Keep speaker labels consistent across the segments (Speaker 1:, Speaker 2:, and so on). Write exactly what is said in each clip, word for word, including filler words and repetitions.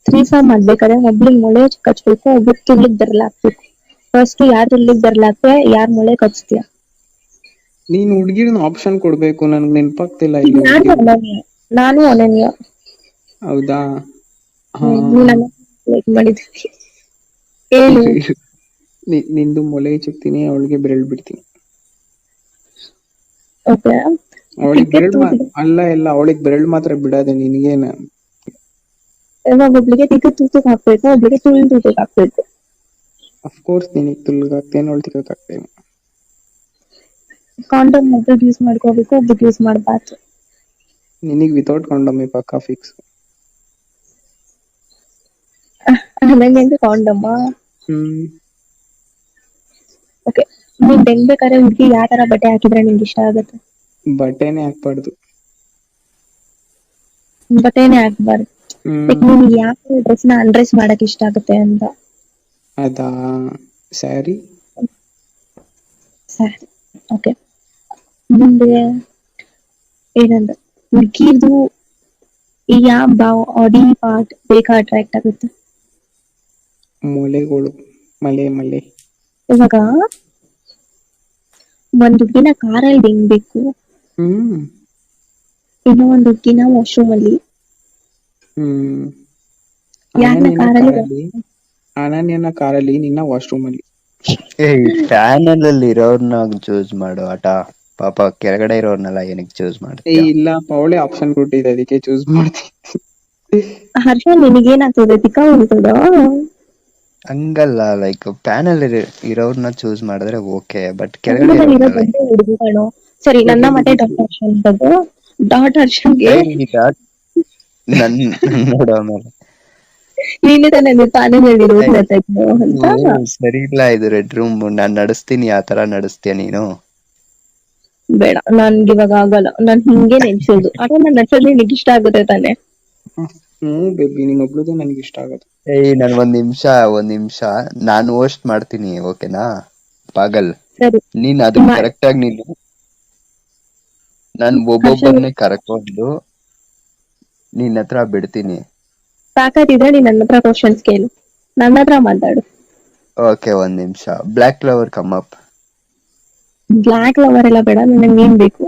Speaker 1: ತ್ರೀಸಾ ಮಾಡ್ಬೇಕಾದ್ರೆ ಒಬ್ಳಿಗ್ ಮೊಳೆ ಕಚ್ಬೇಕು, ಒಬ್ಳಿಗ್ ತುಳ್ಳಿಗ್ ಬೆರಳಾಕ್ಬೇಕು. ಫಸ್ಟ್ ಯಾರ್ ತುಳ್ಳಿಗ್ ಬೆರಳಾಕ್ತೆ, ಯಾರ್ ಮೊಳೆ ಕಚ್ತೀಯ?
Speaker 2: ನೀನ್ ಹುಡ್ಗಿರ್ನ ಆಪ್ಷನ್ ಕೊಡ್ಬೇಕು, ನನ್ಗೆ ನೆನ್ಪಾಗ್ತಿಲ್ಲ
Speaker 1: ಈಗ
Speaker 2: ಇಲ್ಲಿ
Speaker 1: ನಾನು
Speaker 2: ಹುಡ್ಗಿರ್.
Speaker 1: ಅನನ್ಯ ನಾನು ಅನನ್ಯ
Speaker 2: ಹೌದಾ? ಹಾ
Speaker 1: ಹ್ಮ್ ನೀನ್ ಮಾಡಿದ್ವಿ ಏನು
Speaker 2: ನಿಂದು ಮೊಲೆ ಚುಕ್ತೀನಿ, ಅವಳಿಗೆ ಬೆರಳ್ ಬಿಡ್ತೀನಿ.
Speaker 1: ಓಕೆ
Speaker 2: ಅವಳಿಗೆ
Speaker 1: ಟಿಕೆಟ್
Speaker 2: ಬೆರಳ್ ಮಾ
Speaker 1: ತೂತಿಗೆ
Speaker 2: ಅಲ್ಲ ಇಲ್ಲ ಅವಳಿಗೆ ಬೆರಳ್ ಮಾತ್ರ ಬಿಡೋದೆ, ನಿನ್ಗೇನ?
Speaker 1: ಇವಾಗ ಒಬ್ಳಿಗೆ ಟಿಕೆಟ್ ತೂತಕ್ ಹಾಕ್ಬೇಕು, ಒಬ್ಳಿಗೆ ತುಳ್ ತೂತಕ್ ಹಾಕ್ಬೇಕು.
Speaker 2: ಅಫ್ಕೋರ್ಸ್ ನಿನಗ್ ತುಳ್ಗ್ ಹಾಕ್ತೇನೆ, ಅವಳು ತಿಕ್ಕಕ್ ಹಾಕ್ತೇನೆ.
Speaker 1: ಕಾಂಡೋಮ್ ಒಬ್ರಿಗೆ ಯೂಸ್ ಮಾಡ್ಕೋಬೇಕು, ಒಬ್ರಿಗೆ ಯೂಸ್ ಮಾಡ್ಬಾರ್ದು.
Speaker 2: ನಿನಗ್ ವಿತೌಟ್ ಕಾಂಡೋಮೇ ಪಕ್ಕಾ ಫಿಕ್ಸ್.
Speaker 1: ನಂಗೆ ಕಾಂಡಮ್ಮ.
Speaker 2: ಹ್ಮ್
Speaker 1: ಓಕೆ, ನೀನ್ ಬೆಂಗ್ಬೇಕಾದ್ರೆ ಹುಡ್ಗಿ ಯಾವ ತರ ಬಟ್ಟೆ ಹಾಕಿದ್ರೆ ನಿಂಗೆ ಇಷ್ಟ ಆಗುತ್ತೆ?
Speaker 2: ಬಟ್ಟೆನೆ ಹಾಕ್ಬಾರ್ದು.
Speaker 1: ಬಟ್ಟೆನೆ ಹಾಕ್ಬಾರ್ದು. ಲೈಕ್
Speaker 2: ಹ್ಮ್
Speaker 1: ನಿಮ್ಗೆ ಯಾವ ಡ್ರೆಸ್ ನ ಅನ್ಡ್ರೆಸ್ ಮಾಡಕ್ ಇಷ್ಟ ಆಗುತ್ತೆ ಅಂತ?
Speaker 2: ಅದಾ ಸ್ಯಾರಿ.
Speaker 1: ಸ್ಯಾರಿ. ಓಕೆ, ಮುಂದೆ ಏನಂದ್ರೆ ಹುಡ್ಗಿದು ಯಾವ ಬಾಡಿ ಪಾರ್ಟ್ ಬೇಕಾ ಅಟ್ರಾಕ್ಟ್ ಆಗುತ್ತೆ?
Speaker 2: ಮೊಲೆಗಳು, ಮಲೆ ಮಲೆ.
Speaker 1: ಇವಾಗ ಒಂದ್ ಹುಡ್ಗಿನ ಕಾರಲ್ಲಿ ಬೆಂಗ್ಬೇಕು,
Speaker 2: ಹ್ಮ್
Speaker 1: ಇನ್ನೂ ಒಂದ್ ಹುಡ್ಗಿನ ವಾಶ್ರೂಮ್ ಅಲ್ಲಿ,
Speaker 2: ಹ್ಮ್
Speaker 1: ಯಾರನ್ನ
Speaker 2: ಅನನ್ಯನ
Speaker 1: ಕಾರಲ್ಲಿ
Speaker 2: ಕಾರಲ್ಲಿ ಅನನ್ಯನ ಕಾರಲ್ಲಿ, ನಿನ್ನ ವಾಶ್ರೂಮ್ ಅಲ್ಲಿ.
Speaker 3: ಏ ಪ್ಯಾನಲ್ ಅಲ್ಲಿ ಇರೋರ್ನ ಚೂಸ್ ಮಾಡು ಆಟ. ಪಾಪ ಕೆಳಗಡೆ ಇರೋರ್ನೆಲ್ಲ ಏನಕ್ಕೆ ಚೂಸ್
Speaker 2: ಏ
Speaker 3: ಮಾಡ್ತೀಯ?
Speaker 2: ಇಲ್ಲ ಅವಳೇ ಆಪ್ಷನ್ ಕೊಟ್ಟಿದ್ದೆ, ಅದಕ್ಕೆ ಚೂಸ್ ಮಾಡ್ತೀನಿ.
Speaker 1: ಹರ್ಷ ನಿನಗೇನಾಗ್ತದೆ, ತಿಕ್ಕ ಉಳಿತದ?
Speaker 3: ಹಂಗಲ್ಲ, ಲೈಕ್ ಪ್ಯಾನಲ್ ಇರೋರ್ನ ಚೂಸ್ ಮಾಡಿದ್ರೆ ಓಕೆ, ಬಟ್ ಕೆಳಗಡೆ
Speaker 1: ಕನ್ನಡದಲ್ಲಿ ಇರೋ
Speaker 3: ಇರೋರ್ನೆಲ್ಲ
Speaker 1: ದೊಡ್ಡ ಹುಡುಗಿ ಕಣೋ. ಸರಿ, ನನ್ನ ಮತ್ತೆ ಡಾಟ್ ಹರ್ಷನ್ ಬಗ್ಗೆ. ಡಾಟ್ ಹರ್ಷನ್ಗೆ
Speaker 3: ನನ್ ನೋಡೋ ಮೇಲೆ
Speaker 1: ನೀನೆ ತಾನೇ ಪ್ಯಾನಲ್ ಇರೋದು
Speaker 3: ಏಯ್,
Speaker 1: ಮಾತಾಡ್ತು
Speaker 3: ಇದು
Speaker 1: ಅಂತ.
Speaker 3: ಸರಿ ಇಲ್ಲ, ಇದು ರೆಡ್ ರೂಮ್. ನಾನ್ ನಡೆಸ್ತೀನಿ, ಆ ತರ ನಡೆಸ್ತೀಯ ನೀನು?
Speaker 1: ಬೇಡ, ನನ್ಗೆ ಇವಾಗ ಆಗಲ್ಲ. ನಾನ್ ಹಿಂಗೆ ನೆನ್ಸೋದು, ಆದ್ರೆ ನಾನ್ ನಡ್ಸೋದು ನಿನಗೆ ಇಷ್ಟ ಆಗುತ್ತೆ ತಾನೆ?
Speaker 2: ಹ್ಮ್ ಬೇಬಿ, ನೀನ್ ಒಬ್ಳದೇ ನನ್ಗೆ ಇಷ್ಟ ಆಗೋದು.
Speaker 3: ಏಯ್ ನನ್ ಒಂದ್ ನಿಮಿಷ ಒಂದ್ ನಿಮಿಷ ನಾನು ಹೋಸ್ಟ್ ಮಾಡ್ತೀನಿ, ಓಕೆನಾ ಪಾಗಲ್?
Speaker 1: ಸರಿ
Speaker 3: ನೀನ್ ಅದಕ್
Speaker 1: ಮಾ-
Speaker 3: ಕರೆಕ್ಟ್ ಆಗಿ ನೀನು ನಾನ್
Speaker 1: ಹರ್ಷ
Speaker 3: ಒಬ್ಬೊಬ್ಬರನ್ನೇ ಕರ್ಕೊಂಡು ನಿನ್ ಹತ್ರ ಬಿಡ್ತೀನಿ.
Speaker 1: ಸಾಕಾತಿದ್ರೆ ನೀನ್ ನನ್ನ ಹತ್ರ ಕ್ವಶನ್ಸ್ ಕೇಳು, ನನ್ನ ಹತ್ರ ಮಾತಾಡು.
Speaker 3: ಓಕೆ, ಒಂದ್ ನಿಮಿಷ. Black flower come up.
Speaker 1: Black lover ಎಲ್ಲ ಬೇಡ, ನನಗೆ ಏನ್ ಬೇಕು?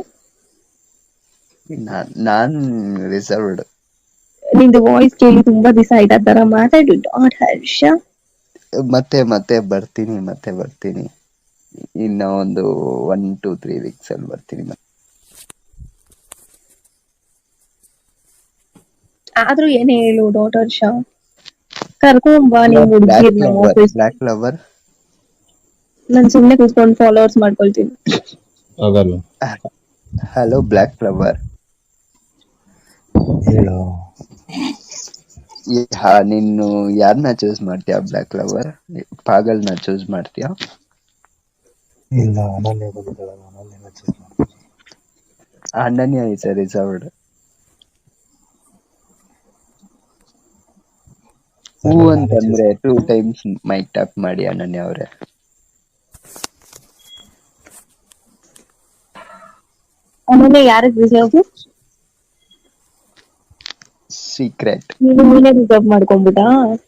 Speaker 3: ನಾನ್ ರಿಸರ್ವ್ಡ್.
Speaker 1: ನಿಂದು ವಾಯ್ಸ್ ಕೇಳಿ ತುಂಬಾ ದಿವಸ ಆಯ್ತು, ಆ ತರ ಮಾತಾಡು ಡಾಟ್ ಹರ್ಷ.
Speaker 3: ಮತ್ತೆ ಮತ್ತೆ ಬರ್ತೀನಿ, ಮತ್ತೆ ಬರ್ತೀನಿ. ಇನ್ನ ಒಂದು ಒನ್ ಟೂ ತ್ರೀ ವೀಕ್ಸ್ ಅಲ್ಲಿ ಬರ್ತೀನಿ.
Speaker 1: ಆದ್ರೂ ಏನ್ ಹೇಳು ಡಾಟ್ ಹರ್ಷ, ಕರ್ಕೊಂಬ ನಿಮ್
Speaker 3: ಬ್ಲಾಕ್
Speaker 1: ಹುಡ್ಗಿರ್ ನಮ್ಮ
Speaker 3: ಫ್ಲವರ್
Speaker 1: ಆಫೀಸ್.
Speaker 3: ಬ್ಲಾಕ್ ಫ್ಲವರ್
Speaker 1: ನಾನ್ ಸುಮ್ನೆ ಕೂತ್ಕೊಂಡು ಫಾಲೋವರ್ಸ್ ಮಾಡ್ಕೊಳ್ತೀನಿ.
Speaker 4: ಆಗಲ್ಲ.
Speaker 3: Hello black flower.
Speaker 4: ಹೇಳು.
Speaker 3: ಹಾ, ನೀನು ಯಾರನ್ನ ಚೂಸ್ ಮಾಡ್ತೀಯಾ? ಬ್ಲಾಕ್ ಫ್ಲವರ್ ಪಾಗಲ್ನ ಚೂಸ್ ಮಾಡ್ತೀಯಾ?
Speaker 4: ಇಲ್ಲ, ಅನನ್ಯ ಬಂದಿದ್ದಾಳೆ, ಅನನ್ಯನ ಚೂಸ್ ಮಾಡ್ತೀನಿ.
Speaker 3: ಅನನ್ಯ ಇಸ್ ರಿಸರ್ವ್ಡ್. ಹೂ
Speaker 4: ಸರಿ, ನಾನೇ ಚೂಸ್
Speaker 3: ಅಂತಂದ್ರೆ ಟೂ
Speaker 4: ಮಾಡ್ತೀನಿ.
Speaker 3: ಟೈಮ್ಸ್ ಮೈಕ್ ಟ್ಯಾಪ್ ಮಾಡಿ ಅನನ್ಯ ಅವರೇ.
Speaker 1: ಆಮೇಲೆ ಯಾರಿಗೆ ರಿಸರ್ವ್?
Speaker 3: ಸೀಕ್ರೆಟ್.
Speaker 1: ನೀನು ನೀನೇ ರಿಸರ್ವ್ ಮಾಡ್ಕೊಂಡ್ಬಿಟ್ಟಾ?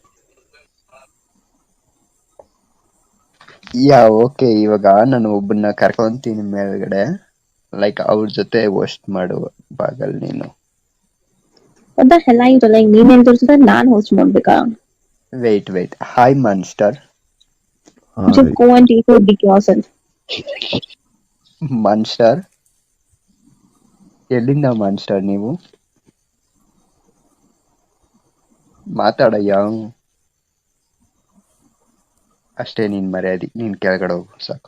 Speaker 3: ಯಾ ಓಕೆ, ಇವಾಗ ನಾನು ಒಬ್ಬನ್ನ ಕರ್ಕೊಂತೀನಿ ಮೇಲ್ಗಡೆ, ಲೈಕ್ ಅವ್ರ ಜೊತೆ ಹೋಸ್ಟ್ ಮಾಡು ಪಾಗಲ್ ನೀನು.
Speaker 1: ಅದ ಹೆಲ್ಲ ಇರಲ್ಲ, ಈಗ ನೀನ್ ಹೇಳ್ತಿರ್ತಿದ್ರೆ ನಾನ್ ಹೋಸ್ಟ್ ಮಾಡ್ಬೇಕಾ?
Speaker 3: Wait wait hi monster.
Speaker 1: Just go and take your dick yourself.
Speaker 3: Monster, ಎಲ್ಲಿಂದ ಮಾನ್ಸ್ಟರ್ ನೀವು? ಮಾತಾಡಯ್ಯ. ಅಷ್ಟೇ ನೀನ್ ಮರ್ಯಾದಿ, ನೀನ್ ಕೆಳಗಡೆ ಹೋಗು ಸಾಕು.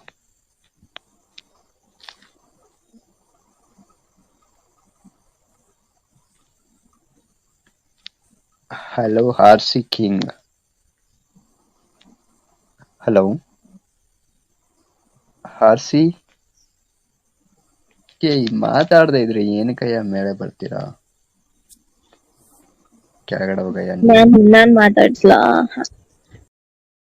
Speaker 3: Hello horsey king. Hello horsey. ಮಾತಾಡದೆ ಇದ್ರೆ ಏನಕ್ಕಯ್ಯ ಮೇಲೆ ಬರ್ತೀರಾ? ಕೆಳಗಡೆ ಹೋಗಯ್ಯ.
Speaker 1: ನಾನ್ ನಾನ್ ಮಾತಾಡ್ಸ್ಲಾ?